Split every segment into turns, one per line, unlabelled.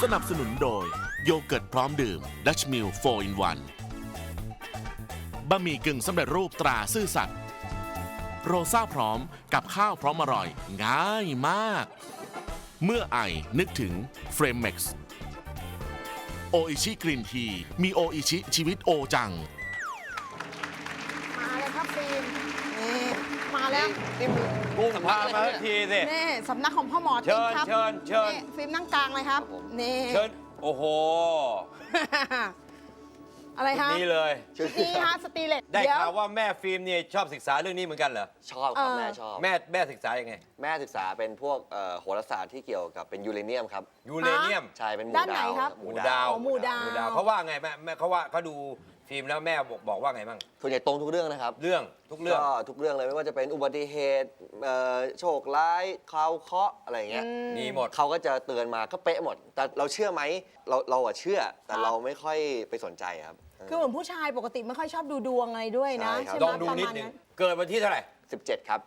สนับสนุนโดยโยเกิร์ตพร้อมดื่มดัชมิล4 in 1บะหมี่กึ่งสำเร็จรูปตราซื่อสัตย์โรซ่าพร้อมกับข้าวพร้อมอร่อยง่ายมากเมื่อไอนึกถึงเฟรมเม็กซ์โออิชิกรีนทีมีโออิชิชีวิตโอจัง
มาเลยครับฟิล์มนี่มาแล้ว
นี่มันกุ้งพามาสักทีสิ
นี่สำนักของพ่อหมอติ๊กครับ
เชิญ
นี่ฟิล์มนั่งกลางเลยครับนี่
เชิญโอ้โห
อะไรฮะ
นี่เลย
นี่ฮะสตีเลต
ได้
เดี๋ยว
ข่าวว่าแม่ฟิล์มเนี่ยชอบศึกษาเรื่องนี้เหมือนกันเหรอ
ชอบครับแม่ชอบ
แม่ศึกษายังไง
แม่ศึกษาเป็นพวกโหราศาสตร์ที่เกี่ยวกับเป็นยูเรเนียมครับ
ยูเรเนียม
ใช่เป็นหมู่
ด้านไหน
ดาว
ครับ
หมู่ดาว
อ๋อหมู่ดาว
เขาว่าไงแม่เขาว่าเขาดูฟิล์มแล้วแม่บอกว่าไงบ้าง
ส่วนใหญ่ตรงทุกเรื่องนะครับ
เรื่องทุกเรื่อง
ก็ทุกเรื่องเลยไม่ว่าจะเป็นอุบัติเหตุโชคร้ายข่าวเคราะห์อะไรอย่างเงี้ย
มีหมด
เขาก็จะเตือนมาก็เป๊ะหมด แต่เราเชื่อไหมเราอะเชื่อ แต่เราไม่ค่อยไปสนใจครับ
คือเหมือนผู้ชายปกติไม่ค่อยชอบดูดวงอะไรด้วยนะ
ใช่ครับ
ใช่ไหม
ลองดู
ประ
นิด
มาณ
นึง
นั้น
เกิดวันที่เท่าไหร่
17 ครับ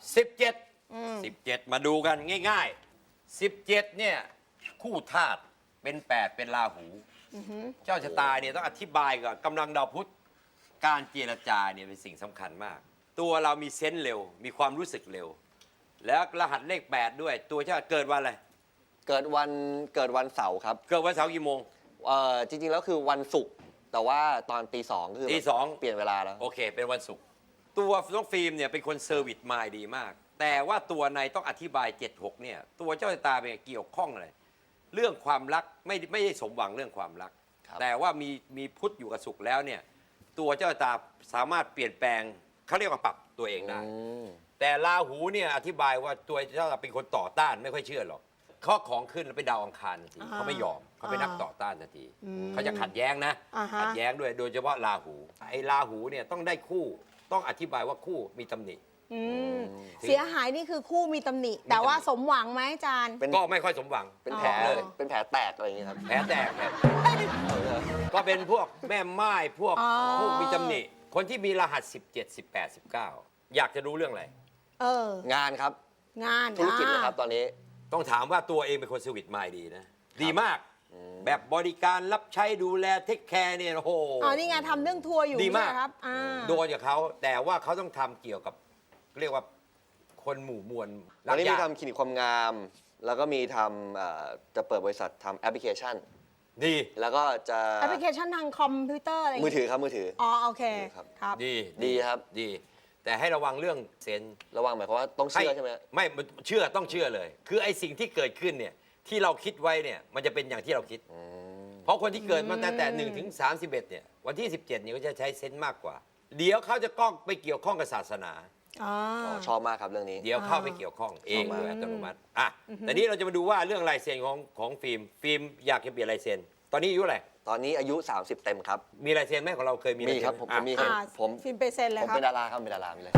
17มาดูกันง่ายๆ 17เนี่ยคู่ธาตุเป็น 8 เป็นราหู เจ้าชะตาเนี่ยต้องอธิบายก่อนกำลังดาวพุธการเจรจาเนี่ยเป็นสิ่งสำคัญมาก ตัวเรามีเซนส์เร็ว มีความรู้สึกเร็ว แล้วรหัสเลข 8 ด้วย ตัวเจ้าเกิดวันอะไร
เกิดวันเสาร์ครับ
เกิดวันเสาร์กี่โมง
จริงๆแล้วคือวันศุกร์แต่ว่าตอนตี 2คือ
ตีสอง
เปลี่ยนเวลาแล้ว
โอเค เป็นวันศุกร์ตัวน้องฟิล์มเนี่ยเป็นคนเซอร์วิสมายดีมาก แต่ว่าตัวในต้องอธิบาย 76เนี่ยตัวเจ้าชะตาเป็นเกี่ยวข้องอะไรเรื่องความรักไม่ได้สมหวังเรื่องความรัก
ครับ
แต่ว่ามีพุทธอยู่กับศุกร์แล้วเนี่ยตัวเจ้าชะตาสามารถเปลี่ยนแปลงเขาเรียกว่าปรับตัวเองได้ แต่ราหูเนี่ยอธิบายว่าตัวเจ้าเป็นคนต่อต้านไม่ค่อยเชื่อหรอกข้อของขึ้นแล้วไปดาวอังคารทันทีเขาไม่ยอมเขาเป็นนักต่อต้านทันทีเขาจะขัดแย้งนะ ขัดแย้งด้วยโดยเฉพาะราหูไอ้ราหูเนี่ยต้องได้คู่ต้องอธิบายว่าคู่มีตำหนิ
อืมเสียหายนี่คือคู่มีตำหนิ แต่ว่าสมหวังไหมอาจารย์
ก็ไม่ค่อยสมหวัง
เป็น
อ๋อ
แผล
เลย
เป็นแผลแตกอะไรอย่างเงี้ยครับ
แผลแตกเนี่ยก็เป็นพวกแม่ไม้พวกมีตำหนิ คนที่มีรหัส 17 18 19 อยากจะรู้เรื่องอะไร
งานครับ
งาน
ธุรกิจนะครับตอนนี้
ต้องถามว่าตัวเองเป็นคนสวิตมายดีนะ ดีมาก แบบบริการรับใช้ดูแลเทคแคร์เนี่ยโอ้โห
อ๋อนี่ไงทำเรื่องทัวร์อยู่
ดีมาก
เนี่ยครับ
โดนจากเขาแต่ว่าเขาต้องทำเกี่ยวกับเรียกว่าคนหมู่มวล
ตอนนี้มี
ยาก
ทำคลินิกความงาม แล้วก็มีทำจะเปิดบริษัททำแอปพลิเคชัน
ดี
แล้วก็จะ
แอปพลิเคชันทางคอมพิวเตอร์อะไรย่าง
มือ
งี้
ถือครับมือถือ
อ๋อโอเค
ครับ
ครับ
ดี
ดีครับ
ดี แต่ให้ระวังเรื่องเซนส์
ระวังหมายความว่าต้องเชื่อใช่ไหม
ไม่เชื่อต้องเชื่อเลย คือไอ้สิ่งที่เกิดขึ้นเนี่ยที่เราคิดไว้เนี่ยมันจะเป็นอย่างที่เราคิด เพราะคนที่เกิดมาตั้งแต่1 ถึง 31เนี่ยวันที่ 17เนี่ยก็จะใช้เซนส์มากกว่า เดี๋ยวเขาจะก้องไปเกี่ยวข้องกับศาสนา
อ๋อ
ชอบมากครับเรื่องนี้
เดี๋ยวเข้าไปเกี่ยวข้องเอง
ชอบมาก
โดยอัตโนมัติอ่ะแต่นี้เราจะมาดูว่าเรื่องลายเซ็นของฟิล์มอยากจะเปลี่ยนลายเซ็นตอนนี้อายุอะไร
ตอนนี้อายุ 30 เต็มครับ
มีลายเซ็นไหมของเราเคยมี
มี
ลายเซ็น
ครับ
ไห
ผมมี
อ่ะ
ผม
ฟิล์มไปเซ็นเลย
ผม
ครับ
เป็นดาราครับเป็นดารามีเลย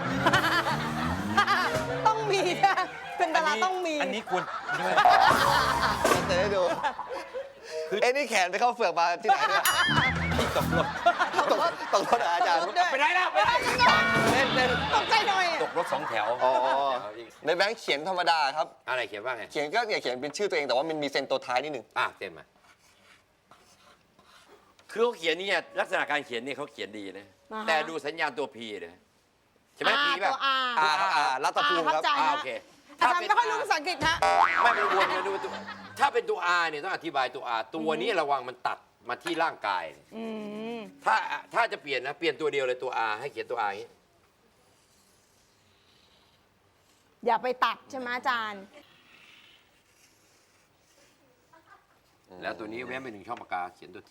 ต้องมีนะเป็นดาราต้องมี
อันนี้ควรด้วย
เซ็นให้ดูเอ้นี่แขนไปเข้าเฟือกมาที่ไหนเนี่ย
ที่ตกรถ
ตกรถเหรออาจารย์
ไปไหนแล้วไปไหน
เล่น
ตกใจหน่อย
ตกรถ2 แถว
อ๋อในแบงค์เขียนธรรมดาครับ
อะไรเขียนว่าไง
เขียนก็อย่าเขียนเป็นชื่อตัวเองแต่ว่ามันมีเซ็นตัวท้ายนิดนึง
เต็มมาคือเขาเขียนนี่ลักษณะการเขียนนี่เขาเขียนดีนะ
อ่าฮะ
แต่ดูสัญญาณตัวพีเลยใช่ไหมพีป่ะ
ตัว R
รัตภูมิครับ
เข้าใจ
โอเค
อาจารย์ไม่ค่อยรู้ภาษาอังกฤษฮะ
ไม่เป็นวนมาดูตัวถ้าเป็นตัว R เนี่ยต้องอธิบายตัว R ตัวนี้ระวังมันตัดมาที่ร่างกาย ถ้าจะเปลี่ยนนะเปลี่ยนตัวเดียวเลยตัว R ให้เขียนตัว R อย่างนี้
อย่าไปตัดใช่ไหมอาจารย์
แล้วตัวนี้แว้นไป1 ช่องปากกาเขียนตัว T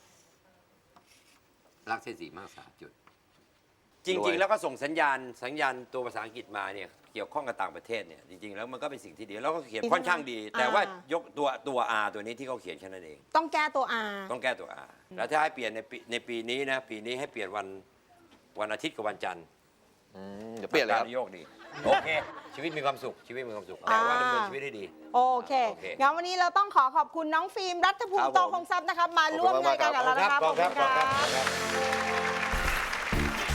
ลากเส้นสีมาก3 จุด จริง ๆ แล้วก็ส่งสัญญาณตัวภาษาอังกฤษมาเนี่ยเกี่ยวข้องกับต่างประเทศเนี่ยจริง ๆ แล้วมันก็เป็นสิ่งที่ดีแล้วก็เขียนค่อนข้างดี แต่ว่ายกตัว R ตัวนี้ที่เขาเขียนแค่นั้นเอง
ต้องแก้ตัว R
ต้องแก้ตัว R แล้วถ้าให้เปลี่ยนในปีนี้นะปีนี้ให้เปลี่ยนวันอาทิตย์กับวันจันทร์
เดี๋ยวเปลี่ยนเลยครับ
โยกดีโอเค ชีวิตมีความสุขชีวิตมีความสุขแต่ว่าดำเนินชีวิตให้ดี
โอเค
โอเค
งั้นวันนี้เราต้องขอบคุณน้องฟิล์มรัฐภูมิโตคงทรัพย์นะครับ มาร่วมรายการกับเรานะครับ
ขอบคุณครับ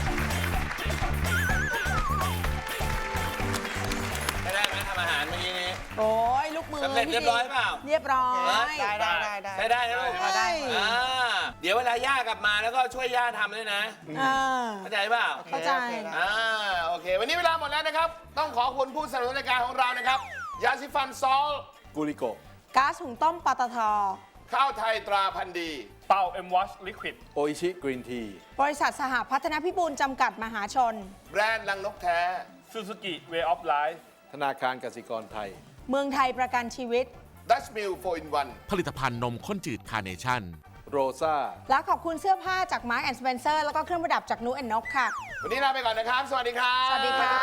ได้ไหมทำอาหารเมื่อกี้นี้
โอ้ยลูกมือ
สำเร็จเรียบร้อยเปล่า
เรียบร้อย
ได้
ใช้ได้นะลูก
ได้
เดี๋ยวเวลาย่ากลับมาแล้วก็ช่วยย่าทำด้วยนะ เข้าใจเปล่า
เข้าใจ
โอเค วันนี้เวลาหมดแล้วนะครับ ต้องขอบคุณผู้สนับสนุนรายการของเรานะครับ ยาสีฟันซอลกูริโก
ก๊าซหุงต้มปตท.
ข้าวไทยตราพันธุ์ดี
เป่า M Wash Liquid
โออิชิกรีนที
บริษัทสหพัฒนพิบูลจำกัดมหาชน
แบรนด์ลังนกแท้
Suzuki Way of Life
ธนาคารกสิกรไทย
เมืองไทยประกันชีวิต
ดัชมิล4 in
ผลิตภัณฑ์นมข้นจืดคาร์เนชั่น
1 โรซ่า
และขอบคุณเสื้อผ้าจาก Mark & Spencer แล้วก็เครื่องประดับจากนูแอนนกค่ะ
วันนี้ลาไปก่อนนะครับ สวัสดีครับ
สวัสดีค่ะ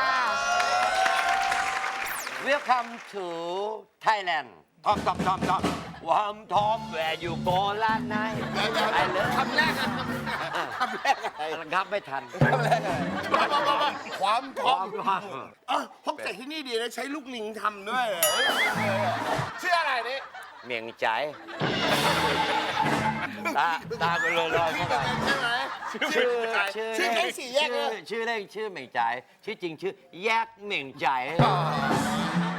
Welcome to Thailand ทอมวามทอมแวร์อยู่โกลาไนไอเลิฟ
คำแรกอะคำแรกอะไร
ครับไม่ทัน
คำแรกอะไรความทอง
ความ
พกแต่ที่นี่ดีนะ ใช้ลูกลิงทำด้วยชื่ออะไรนี่
เมียงใจ ตาไปเลยเข้าไป
ใช่ไหมชื่อแค่สี่แยกเลย
ชื่อเล่นชื่อเหม่งใจายชื่อจริงชื่อแยกเหม่งใจาย